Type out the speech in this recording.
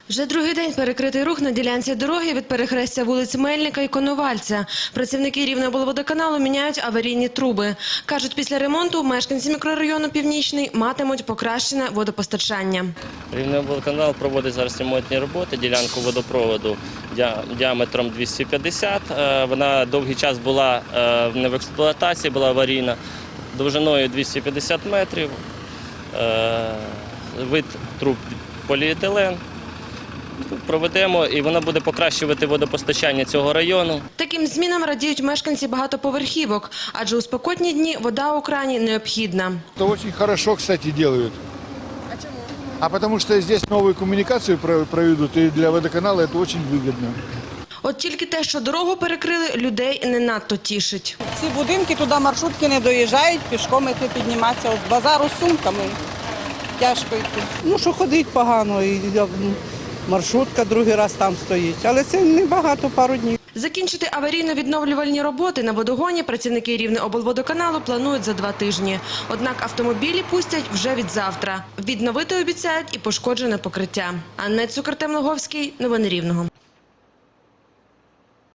Вже другий день перекритий рух на ділянці дороги від перехрестя вулиць Мельника і Коновальця. Працівники Рівнеоблводоканалу міняють аварійні труби. Кажуть, після ремонту мешканці мікрорайону Північний матимуть покращене водопостачання. Рівнеоблводоканал проводить зараз ремонтні роботи, ділянку водопроводу діаметром 250. Вона довгий час була не в експлуатації, була аварійна, довжиною 250 метрів, вид труб поліетилен. Проведемо, і вона буде покращувати водопостачання цього району. Таким змінам радіють мешканці багатоповерхівок, адже у спекотні дні вода у крані необхідна. Это очень хорошо, кстати, делают. А чому? А потому что здесь новую коммуникацию проведут, и для водоканала это очень выгодно. От тільки те, що дорогу перекрили, людей не надто тішить. Ці будинки, туди маршрутки не доїжджають, пішком йти підніматися. От базару з сумками тяжко йти. Ну, що ходить погано, і маршрутка другий раз там стоїть. Але це небагато, пару днів. Закінчити аварійно-відновлювальні роботи на водогоні працівники Рівнеоблводоканалу планують за 2 тижні. Однак автомобілі пустять вже від завтра. Відновити обіцяють і пошкоджене покриття. Анна Цукер, Артем Логовський. Новини Рівного.